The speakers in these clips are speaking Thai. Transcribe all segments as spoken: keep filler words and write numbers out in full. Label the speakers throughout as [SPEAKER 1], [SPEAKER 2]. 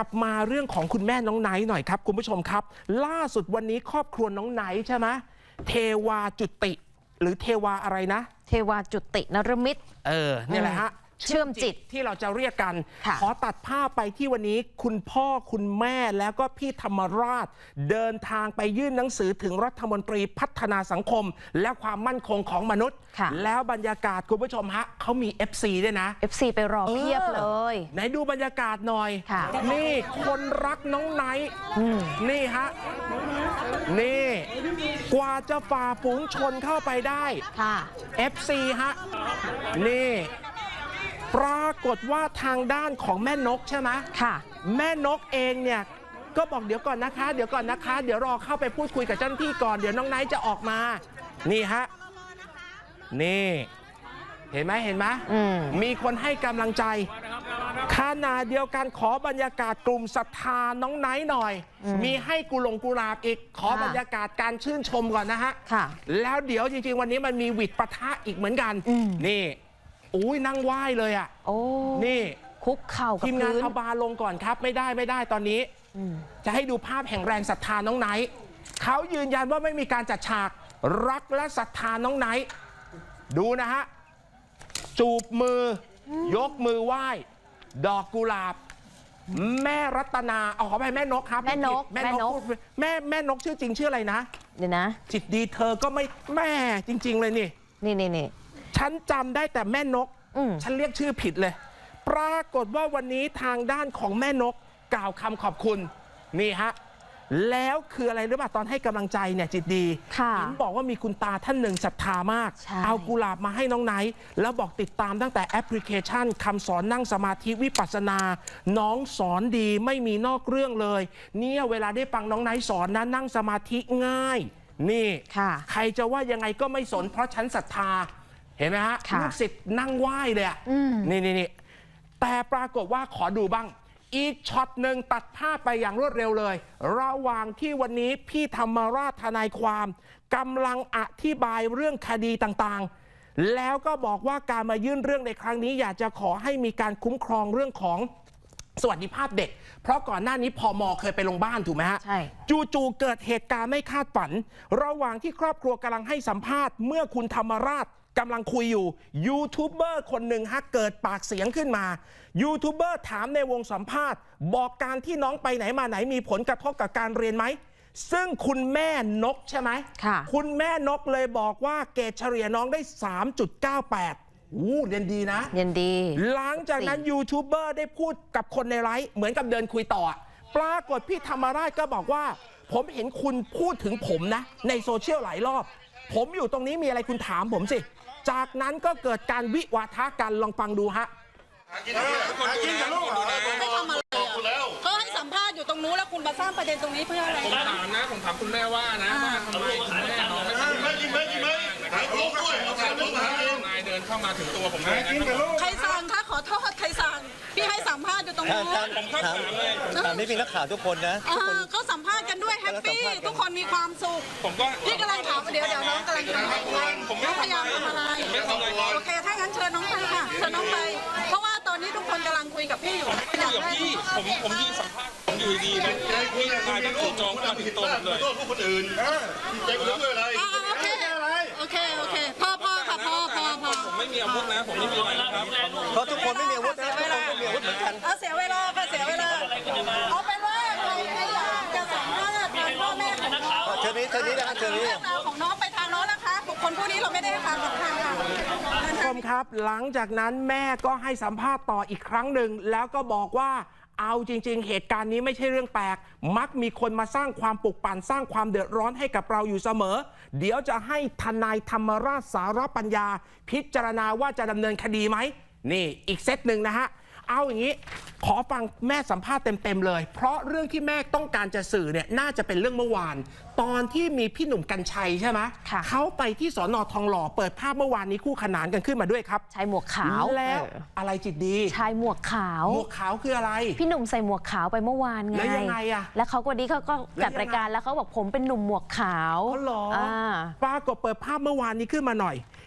[SPEAKER 1] ลับมาเรื่องของคุณแม่น้องไนท์หน่อยครับคุณผู้ชมครับล่าสุดวันนี้ครอบครัวน้องไนท์ใช่ไหมเทวาจุติหรือเทวาอะไรนะ
[SPEAKER 2] เทวาจุตินรมิต
[SPEAKER 1] เออเนี่ยแหละฮะ
[SPEAKER 2] เชื่อมจิต
[SPEAKER 1] ที่เราจะเรียกกันขอตัดภาพไปที่วันนี้คุณพ่อคุณแม่แล้วก็พี่ธรรมราชเดินทางไปยื่นหนังสือถึงรัฐมนตรีพัฒนาสังคมและความมั่นคงของมนุษย์แล้วบรรยากาศคุณผู้ชมฮะเขามี เอฟ ซี ด้วยนะ
[SPEAKER 2] เอฟ ซี ไปรอเพียบเลย
[SPEAKER 1] ไหนดูบรรยากาศหน่อยนี่คนรักน้องไนท์นี่ฮะนี่กว่าจะฝ่าฝูงชนเข้าไปได้ เอฟ ซี ฮะนี่ปรากฏว่าทางด้านของแม่นกใช่ไหมค่ะแม่นกเองเนี่ยก็บอกเดี๋ยวก่อนนะคะเดี๋ยวก่อนนะคะเดี๋ยวรอเข้าไปพูดคุยกับเจ้าหน้าที่ก่อนเดี๋ยวน้องไนท์จะออกมานี่ฮะนี่เห็นไหมเห็นไหมมีคนให้กำลังใจขณะเดียวกันขอบรรยากาศกลุ่มศรัทธาน้องไนท์หน่อยมีให้กุหลงกุหลาบอีกขอบรรยากาศการชื่นชมก่อนนะฮะแล้วเดี๋ยวจริงๆวันนี้มันมีวิดปะทะอีกเหมือนกันนี่อุ้ยนั่งไหว้เลยอ่ะโอ้นี่
[SPEAKER 2] คุกเข่ากับ
[SPEAKER 1] ทีมงานเอาบาลงก่อนครับไม่ได้ไม่ได้ตอนนี้จะให้ดูภาพแห่งแรงศรัทธาน้องไนท์เขายืนยันว่าไม่มีการจัดฉากรักและศรัทธาน้องไนท์ดูนะฮะจูบมือยกมือไหว้ดอกกุหลาบแม่รัตนาเอาขอไปแม่นกครับ
[SPEAKER 2] แม่นก
[SPEAKER 1] แม่นกแม่แม่นกชื่อจริงชื่ออะไรนะ
[SPEAKER 2] เดี๋ยวนะ
[SPEAKER 1] จิตดีเธอก็ไม่แม่จริงๆเลยนี่
[SPEAKER 2] นี่นี่นี่
[SPEAKER 1] ฉันจำได้แต่แม่นกฉันเรียกชื่อผิดเลยปรากฏว่าวันนี้ทางด้านของแม่นกกล่าวคำขอบคุณนี่ฮะแล้วคืออะไรหรือเปล่าตอนให้กำลังใจเนี่ยจิตดีเห็นบอกว่ามีคุณตาท่านหนึ่งศรัทธามากเอากุหลาบมาให้น้องไนท์แล้วบอกติดตามตั้งแต่แอปพลิเคชันคำสอนนั่งสมาธิวิปัสสนาน้องสอนดีไม่มีนอกเรื่องเลยเนี่ยเวลาได้ฟังน้องไนท์สอนนะนั่งสมาธิง่ายนี่ใครจะว่ายังไงก็ไม่สนเพราะฉันศรัทธาเห็นไหมฮะลูกศิษย์นั่งไหว้เลยอ่ะนี่นี่นี่แต่ปรากฏว่าขอดูบ้างอีกช็อตหนึ่งตัดภาพไปอย่างรวดเร็วเลยระหว่างที่วันนี้พี่ธรรมราชทนายความกำลังอธิบายเรื่องคดีต่างๆแล้วก็บอกว่าการมายื่นเรื่องในครั้งนี้อยากจะขอให้มีการคุ้มครองเรื่องของสวัสดิภาพเด็กเพราะก่อนหน้านี้พม.เคยไปลงบ้านถูกไหมฮะใช่จู่ๆเกิดเหตุการณ์ไม่คาดฝันระหว่างที่ครอบครัวกำลังให้สัมภาษณ์เมื่อคุณธรรมราชกำลังคุยอยู่ยูทูบเบอร์คนหนึ่งฮะเกิดปากเสียงขึ้นมายูทูบเบอร์ถามในวงสัมภาษณ์บอกการที่น้องไปไหนมาไหนมีผลกระทบกับการเรียนไหมซึ่งคุณแม่นกใช่ไหมค่ะคุณแม่นกเลยบอกว่าเกรดเฉลี่ยน้องได้ สามจุดเก้าแปด อู้เรียนดีนะ
[SPEAKER 2] เรียนดี
[SPEAKER 1] หลังจากนั้นยูทูบเบอร์ได้พูดกับคนในไลฟ์เหมือนกับเดินคุยต่อปรากฏพี่ธรรมราชก็บอกว่าผมเห็นคุณพูดถึงผมนะในโซเชียลหลายรอบผมอยู่ตรงนี้มีอะไรคุณถามผมสิจากนั้นก็เกิดการวิวาทะกันลองฟังดูฮะ
[SPEAKER 3] เขาให้สัมภาษณ์อยู่ตรงนู้นแล้วคุณมาสร้างประเด็นตรงนี้เพื่ออะไร
[SPEAKER 4] ผมถามนะผมถามคุณแม่ว่านะว่าทำไมคุณแม่น้องไม่ทำไม่จริงไม่จริงไม่ถามลูกด้วยเอาถามลูกถามนายเดินเข้ามาถึงตัวผมเลย
[SPEAKER 3] ใครสั่งคะขอโทษใครสั่งพี่ให้สัมภาษณ์อยู่ตรงนู้น
[SPEAKER 4] ผมถามเลย
[SPEAKER 5] ถามนี่เป็นนักข่าวทุกคนนะ
[SPEAKER 3] เขาสัมภาษณ์กันด้วยแฮปปี้ทุกคนมีความสุข
[SPEAKER 4] ผมก็
[SPEAKER 3] พี่กำลังถามเดี๋ยวเดี๋ยวน้องกำลังทำอะไรผมไม่พยายามทำอะไรโอเคถ้างั้นเชิญน้องไปค่ะเชิญน้องไปเพราะว่าตอนนี้ทุกคนกำลังคุยกับพี่อยู่
[SPEAKER 4] คุยกับพี่ผมผมยืนสัมภาษณ์ผมอยู่ดีๆนะพี่นายต้องถูกจองมาถึงตัวผมเลย
[SPEAKER 5] พวกคนอื่นใจคุณด้วยอะไร
[SPEAKER 3] โอเคโอเคโอเคพ่อพ่อค่ะพ่อพ่อพ่อ
[SPEAKER 4] ผมไม่มีอาวุธนะผมไม่มีอะไรนะครับ
[SPEAKER 5] เพราะทุกคนไม่มีอาวุธนะทุกคนไม่มีอาวุธเหมือนกัน
[SPEAKER 3] เอาเสียเวลาค่ะเสียเวลาเอาเป็นว่าใครไม่อยากจะสัมภาษณ์ทางพ่อแม่ของน้อง
[SPEAKER 5] เชิญนี้เชิญนี้นะเชิญนี้
[SPEAKER 3] ของน้องไปทางน้องนะคะบุคคลผู้นี้เราไม่ได้ทางของทางค่ะ
[SPEAKER 1] คุณผู้ชมครับหลังจากนั้นแม่ก็ให้สัมภาษณ์ต่ออีกครั้งหนึ่งแล้วก็บอกว่าเอาจริงๆเหตุการณ์นี้ไม่ใช่เรื่องแปลกมักมีคนมาสร้างความปลุกปั่นสร้างความเดือดร้อนให้กับเราอยู่เสมอเดี๋ยวจะให้ทนายธรรมราชสารปัญญาพิจารณาว่าจะดำเนินคดีไหมนี่อีกเซตหนึ่งนะฮะเอาอย่างนี้ขอฟังแม่สัมภาษณ์เต็มๆเลยเพราะเรื่องที่แม่ต้องการจะสื่อเนี่ยน่าจะเป็นเรื่องเมื่อวานตอนที่มีพี่หนุ่มกรรชัยใช่ไหมเขาไปที่สน.ทองหล่อเปิดภาพเมื่อวานนี้คู่ขนานกันขึ้นมาด้วยครับ
[SPEAKER 2] ชายหมวกขาว
[SPEAKER 1] แล้วอะไรจิตดี
[SPEAKER 2] ชายหมวกขาว
[SPEAKER 1] หมวกขาวคืออะไร
[SPEAKER 2] พี่หนุ่มใส่หมวกขาวไปเมื่อวานไง
[SPEAKER 1] แล้วยังไงอะ
[SPEAKER 2] แล้วเขาก็ดีเขาก็จัดรายการแล้วเขาบอกผมเป็นหนุ่มหมวกขาว
[SPEAKER 1] อ๋อเหรอปรากฏเปิดภาพเมื่อวานนี้ขึ้นมาหน่อย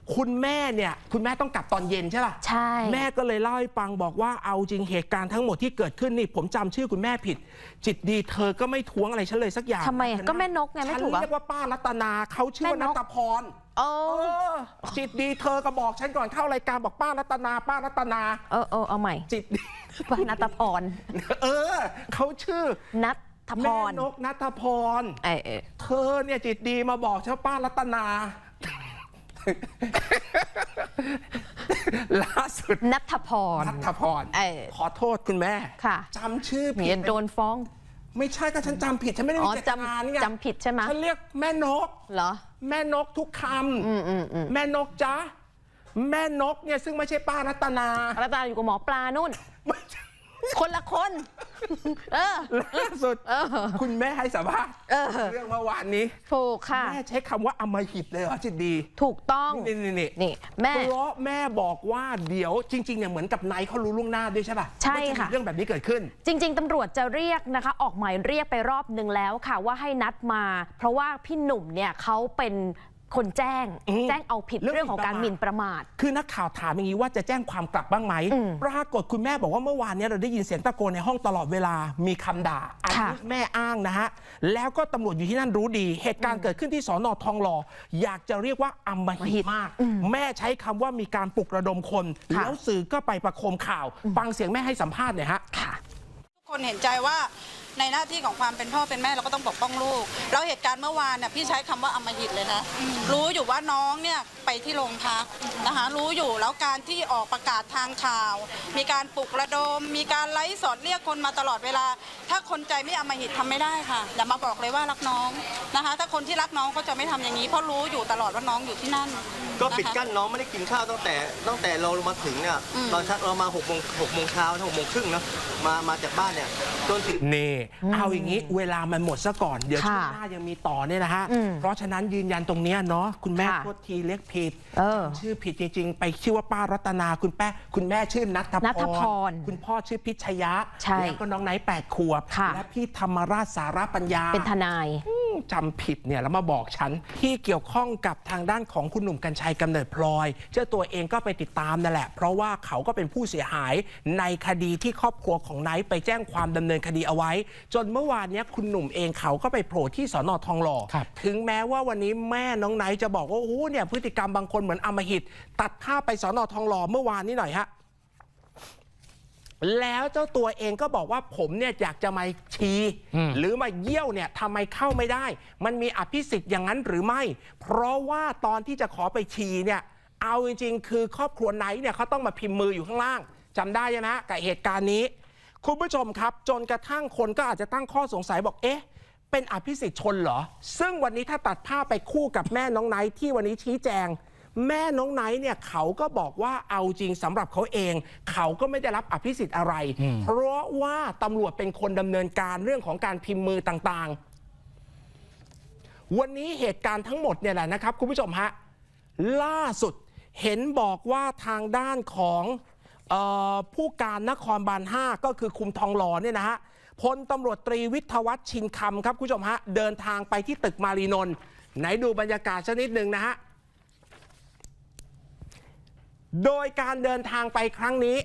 [SPEAKER 1] คุณแม่เนี่ยคุณแม่ต้องกลับตอนเย็นใช่ป่ะ
[SPEAKER 2] ใช่
[SPEAKER 1] แม่ก็เลยเล่าให้ฟังบอกว่าเอาจริงเหตุการณ์ทั้งหมดที่เกิดขึ้นนี่ผมจำชื่อคุณแม่ผิด จิตดีเธอก็ไม่ท้วงอะไรฉันเลยสักอย่าง
[SPEAKER 2] ทำไมอะก็แม่นกไงไม่ถูก
[SPEAKER 1] ฉั
[SPEAKER 2] อ่ะ
[SPEAKER 1] นเรียกว่าป้ารัตนาเขาชื่อว่า
[SPEAKER 2] แม่
[SPEAKER 1] นั
[SPEAKER 2] นก
[SPEAKER 1] ตพร
[SPEAKER 2] โอ้
[SPEAKER 1] เออจิตดีเธอก็บอกฉันก่อนเข้ารายการบอกป้ารัตนา ป้ารัตนา
[SPEAKER 2] เออเออเอาใหม่
[SPEAKER 1] จิตดี
[SPEAKER 2] ป้านัตพร
[SPEAKER 1] เออเขาชื่อ
[SPEAKER 2] นัทพ
[SPEAKER 1] แม่
[SPEAKER 2] ร
[SPEAKER 1] นกนัทพร
[SPEAKER 2] เออเออ
[SPEAKER 1] เธอเนี่ยจิตดีมาบอกฉันป้ารัตนา ล่าสุด
[SPEAKER 2] นัทพร
[SPEAKER 1] นัทพร
[SPEAKER 2] เออ
[SPEAKER 1] ขอโทษคุณแม่
[SPEAKER 2] ค่ะ
[SPEAKER 1] จำชื่อผิ
[SPEAKER 2] เดี๋
[SPEAKER 1] ด
[SPEAKER 2] ยวโดนฟ้อง
[SPEAKER 1] ไม่ใช่ก็ฉันจำผิดฉันไม่ได้
[SPEAKER 2] อ๋
[SPEAKER 1] มี
[SPEAKER 2] อ
[SPEAKER 1] เจตนานี่ไง
[SPEAKER 2] จำจำผิดใช่ไหม
[SPEAKER 1] ฉันเรียกแม่นก
[SPEAKER 2] เหรอ
[SPEAKER 1] แม่นกทุกค
[SPEAKER 2] อืมอืมอืม
[SPEAKER 1] ำแม่นกจ๊ะแม่นกเนี่ยซึ่งไม่ใช่ป้ารัตนา
[SPEAKER 2] รัตนาอยู่กับหมอปลานู่น
[SPEAKER 1] ไม่ใช่
[SPEAKER 2] คนละคน เออ
[SPEAKER 1] ล่าสุด
[SPEAKER 2] เออ
[SPEAKER 1] คุณแม่ให้สัมภาษณ์
[SPEAKER 2] เออ
[SPEAKER 1] เรื่องเมื่อวานนี้
[SPEAKER 2] ถูกค่ะ
[SPEAKER 1] แม่ใช้คำว่าอำมหิตเลยเหรอจิตดี
[SPEAKER 2] ถูกต้อง
[SPEAKER 1] นี่นี่นี่
[SPEAKER 2] นี่แม่
[SPEAKER 1] เพราะแม่บอกว่าเดี๋ยวจริงๆเนี่ยเหมือนกับไนท์เขารู้ล่วงหน้าด้วยใช่ป่ะ
[SPEAKER 2] ใช่
[SPEAKER 1] ว่าจมี
[SPEAKER 2] ค่ะ
[SPEAKER 1] เรื่องแบบนี้เกิดขึ้น
[SPEAKER 2] จริง ๆ ตำรวจจะเรียกนะคะ ออกหมายเรียกไปรอบหนึ่งแล้วค่ะว่าให้นัดมา เพราะว่าพี่หนุ่มเนี่ยเขาเป็นคนแจ้ง
[SPEAKER 1] อืม
[SPEAKER 2] แจ้งเอาผิด
[SPEAKER 1] เรื่อง
[SPEAKER 2] เรื่องของการห
[SPEAKER 1] หมิ่
[SPEAKER 2] มิ่น
[SPEAKER 1] น
[SPEAKER 2] ป
[SPEAKER 1] ประ ระ
[SPEAKER 2] มา
[SPEAKER 1] มา
[SPEAKER 2] ท
[SPEAKER 1] ท คือนักข่าวถามอย่างนี้ว่าจะแจ้งความกลับบ้างไหม
[SPEAKER 2] อืม
[SPEAKER 1] ปรากฏคุณแม่บอกว่าเมื่อวานเนี้เราได้ยินเสียงตะโกนในห้องตลอดเวลามีคำด่าอันนี้
[SPEAKER 2] ค่ะ
[SPEAKER 1] แม่อ้างนะฮะแล้วก็ตำรวจอยู่ที่นั่นรู้ดี เหตุการณ์เกิดขึ้นที่สอนอทองหล่ออยากจะเรียกว่าอำมหิตมาก แม่ใช้คำว่ามีการปลุกระดมคน
[SPEAKER 2] ค่ะ
[SPEAKER 1] แล้วสื่อก็ไปประโคมข่าวฟังเสียงแม่ให้สัมภาษณ์หน่อยฮะ
[SPEAKER 2] ค่ะ
[SPEAKER 3] ทุกคนเห็นใจว่าในหน้าที่ของความเป็นพ่อเป็นแม่เราก็ต้องปกป้องลูกแล้วเหตุการณ์เมื่อวานเนี่ยพี่ใช้คำว่าอำมหิตเลยนะรู้อยู่ว่าน้องเนี่ยไปที่โรงพักนะคะรู้อยู่แล้วการที่ออกประกาศทางข่าว มีการปลุกระดม มีการไลฟ์สดเรียกคนมาตลอดเวลา ถ้าคนใจไม่อำมหิตทำไม่ได้ค่ะอย่ามาบอกเลยว่ารักน้องนะคะ ถ้าคนที่รักน้องก็จะไม่ทำอย่างนี้เพราะรู้อยู่ตลอดว่าน้องอยู่ที่นั่น
[SPEAKER 5] ก็ปิด
[SPEAKER 3] นะคะ
[SPEAKER 5] กั้นน้องไม่ได้กินข้าวตั้งแต่ตั้งแต่เรามาถึงเนี่ย
[SPEAKER 3] อืม
[SPEAKER 5] ตอนเช้าเรามาหกโมงหกโมงเช้าหกโมงครึ่งเนาะมามาจากบ้านเนี่ยจนถึง
[SPEAKER 1] นี่เอาอย่างนี้เวลามันหมดซะก่อนเดี๋ยวช่วง
[SPEAKER 2] ค่ะ
[SPEAKER 1] หน้ายังมีต่อเนี่ยนะฮะ
[SPEAKER 2] อืม
[SPEAKER 1] เพราะฉะนั้นยืนยันตรงเนี้ยเนาะคุณแม่
[SPEAKER 2] ค่ะ
[SPEAKER 1] โทษทีเรียกผิด
[SPEAKER 2] เออ
[SPEAKER 1] ชื่อผิดจริงๆ ไปชื่อว่าป้ารัตนาคุณแป้คุณแม่ชื่อนัท
[SPEAKER 2] นัทพร
[SPEAKER 1] คุณพ่อชื่อพิชยะ
[SPEAKER 2] ใช่
[SPEAKER 1] แล้วก็น้องไนท์แปดขวบ
[SPEAKER 2] ค่ะ
[SPEAKER 1] และพี่ธรรมราชสารปัญญา
[SPEAKER 2] เป็นทนาย
[SPEAKER 1] จำผิดเนี่ยแล้วมาบอกฉันที่เกี่ยวข้องกับทางด้านของคุณหนุ่มกัญชัยกำเนิดพลอย เจ้าตัวเองก็ไปติดตามนั่นแหละ เพราะว่าเขาก็เป็นผู้เสียหายในคดีที่ครอบครัวของไนท์ไปแจ้งความดำเนินคดีเอาไว้ จนเมื่อวานเนี้ยคุณหนุ่มเองเขาก็ไปโผล่ที่สนทองหล่อถึงแม้ว่าวันนี้แม่น้องไนท์จะบอกว่าโอ้โหเนี่ยพฤติกรรมบางคนเหมือนอำมหิต ตัดภาพไปสนทองหล่อเมื่อวานนี้หน่อยฮะแล้วเจ้าตัวเองก็บอกว่าผมเนี่ยอยากจะมาชีหรือมาเยี่ยวเนี่ยทำไมเข้าไม่ได้ มันมีอภิสิทธิ์อย่างนั้นหรือไม่ เพราะว่าตอนที่จะขอไปชีเนี่ยเอาจริงๆ คือครอบครัวไนท์เนี่ยเขาต้องมาพิมพ์มืออยู่ข้างล่างจำได้ใช่ไหมกับเหตุการณ์นี้ คุณผู้ชมครับจนกระทั่งคนก็อาจจะตั้งข้อสงสัยบอกเอ๊ะเป็นอภิสิทธิ์ชนเหรอซึ่งวันนี้ถ้าตัดภาพไปคู่กับแม่น้องไนท์ที่วันนี้ชี้แจง แม่น้องไนท์เนี่ยเขาก็บอกว่าเอาจริงสำหรับเขาเอง เขาก็ไม่ได้รับอภิสิทธิ์อะไร เพราะว่าตำรวจเป็นคนดำเนินการเรื่องของการพิมพ์มือต่างๆ วันนี้เหตุการณ์ทั้งหมดเนี่ยแหละนะครับคุณผู้ชมฮะล่าสุดเห็นบอกว่าทางด้านของเออผู้การนครบาลห้าก็คือคุมทองหล่อเนี่ยนะฮะพลตำรวจตรีวิทยวัฒน์ชินคำครับคุณผู้ชมฮะเดินทางไปที่ตึกมารีนนท์ไหนดูบรรยากาศสักนิดหนึ่งนะฮะโดยการเดินทางไปครั้งนี้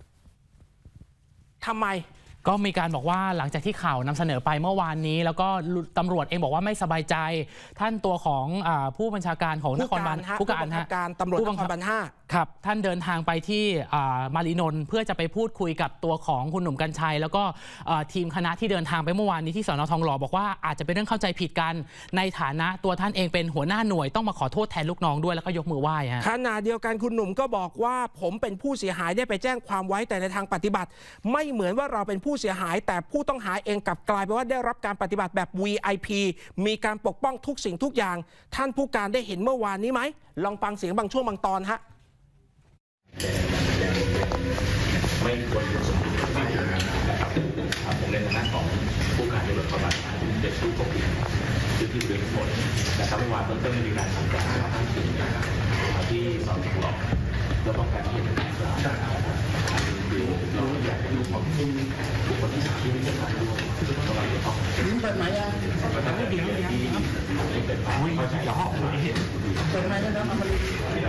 [SPEAKER 1] ทำไม
[SPEAKER 6] ก็มีการบอกว่าหลังจากที่ข่าวนำเสนอไปเมื่อวานนี้ แล้วก็ตำรวจเองบอกว่าไม่สบายใจ ท่านตัวของอาผู้บัญชาการของนครบาล
[SPEAKER 1] ผู้การฮะผู้บังคับการตำรวจนครบาลห้า
[SPEAKER 6] ครับท่านเดินทางไปที่อ่ามารีนนท์เพื่อจะไปพูดคุยกับตัวของคุณหนุ่มกัญชัย แล้วก็อ่าทีมคณะที่เดินทางไปเมื่อวานนี้ที่สนทองหล่อบอกว่าอาจจะเป็นเรื่องเข้าใจผิดกันในฐานะตัวท่านเองเป็นหัวหน้าหน่วยต้องมาขอโทษแทนลูกน้องด้วยแล้วก็ยกมือไหว้ฮะ
[SPEAKER 1] ขณะเดียวกันคุณหนุ่มก็บอกว่าผมเป็นผู้เสียหายได้ไปแจ้งความไว้แต่ในทางปฏิบัติ ไม่เหมือนว่าเราเป็นผู้เสียหาย แต่ผู้ต้องหาเองกลับกลายเป็นว่าได้รับการปฏิบัติแบบ วี ไอ พี มีการปกป้องทุกสิ่งทุกอย่าง ท่านผู้การได้เห็นเมื่อวานนี้ไหมลองฟังเสียงบางช่วงบางตอนฮะ
[SPEAKER 7] ไม่ควรอยู่สมบูรณ์ที่อยู่นะครับผมในฐานะของผู้การตำรวจนครบาลห้าที่เป็นผู้ควบคุมพื้นที่บริเวณทั้งหมดนะครับเมื่อวานต้นต้นมีการสั่งการทั้งถึงที่สอนหลอกแล้วก็การที่เห็นการคือเราอยากดูของบุคคลที่สามที่ไม่ใช่การร่วมซึ่งเราจะต้องเปิดไหมอ่ะเดี๋ยวเดี๋ยวไม่เป็นไปเข้าใจเปิดไมค์ได้แล้วเอามา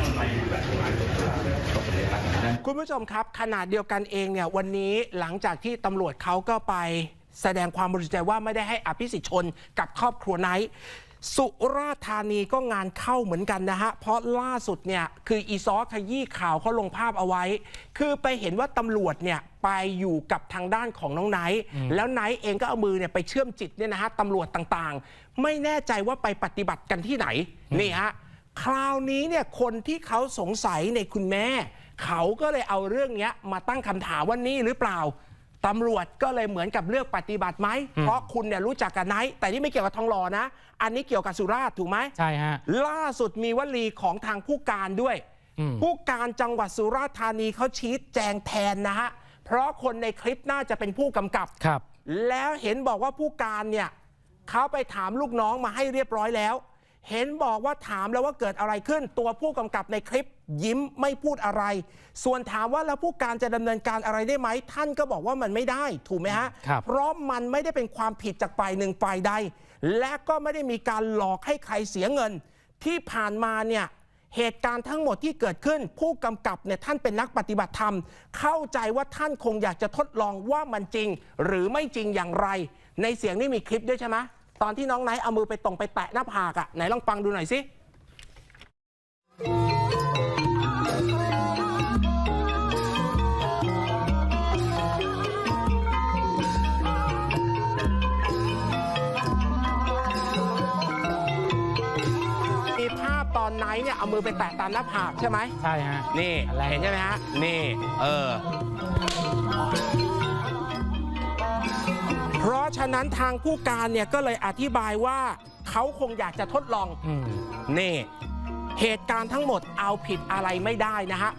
[SPEAKER 1] คุณผู้ชมครับขนาดเดียวกันเองเนี่ยวันนี้หลังจากที่ตำรวจเขาก็ไปแสดงความบริสุทธิ์ใจว่าไม่ได้ให้อภิสิทธิ์ชนกับครอบครัวไนท์สุราษฎร์ธานีก็งานเข้าเหมือนกันนะฮะเพราะล่าสุดเนี่ยคืออีซอขยี้ข่าวเขาลงภาพเอาไว้ คือไปเห็นว่าตำรวจเนี่ยไปอยู่กับทางด้านของน้องไนท์แล้วไนท์เองก็เอามือเนี่ยไปเชื่อมจิตเนี่ยนะฮะตำรวจต่างๆไม่แน่ใจว่าไปปฏิบัติกันที่ไหนนี่ฮะคราวนี้เนี่ยคนที่เขาสงสัยในคุณแม่เขาก็เลยเอาเรื่องนี้มาตั้งคำถามว่านี่หรือเปล่าตำรวจก็เลยเหมือนกับเลือกปฏิบัติไหมเพราะคุณเนี่ยรู้จักกับไนท์แต่นี่ไม่เกี่ยวกับทองหล่อนะอันนี้เกี่ยวกับสุราษฎร์ถูกไหม
[SPEAKER 6] ใช่ฮะ
[SPEAKER 1] ล่าสุดมีวลีของทางผู้การด้วยผู้การจังหวัดสุราษฎร์ธานีเขาชี้แจงแทนนะฮะเพราะคนในคลิปน่าจะเป็นผู้กำกับ
[SPEAKER 6] ครับ
[SPEAKER 1] แล้วเห็นบอกว่าผู้การเนี่ยเขาไปถามลูกน้องมาให้เรียบร้อยแล้วเห็นบอกว่าถามแล้วว่าเกิดอะไรขึ้นตัวผู้กำกับในคลิปยิ้มไม่พูดอะไรส่วนถามว่าแล้วผู้การจะดำเนินการอะไรได้ไหมท่านก็บอกว่ามันไม่ได้ถูกไหมฮะเพราะมันไม่ได้เป็นความผิดจากฝ่ายหนึ่งฝ่ายใดและก็ไม่ได้มีการหลอกให้ใครเสียเงินที่ผ่านมาเนี่ยเหตุการณ์ทั้งหมดที่เกิดขึ้นผู้กำกับเนี่ยท่านเป็นนักปฏิบัติธรรมเข้าใจว่าท่านคงอยากจะทดลองว่ามันจริงหรือไม่จริงอย่างไรในเสียงนี่มีคลิปด้วยใช่ไหมตอนที่น้องไนท์เอามือไปตรงไปแตะหน้าผากอ่ะไหนลองฟังดูหน่อยสิมีภาพตอนไนท์เนี่ยเอามือไปแตะตามหน้าผากใช่ไหม
[SPEAKER 6] ใช่ฮะ
[SPEAKER 1] นี่เห็นใช่ไหมฮะนี่เออเพราะฉะนั้นทางผู้การเนี่ยก็เลยอธิบายว่าเขาคงอยากจะทดลองนี่เหตุการณ์ทั้งหมดเอาผิดอะไรไม่ได้นะฮะ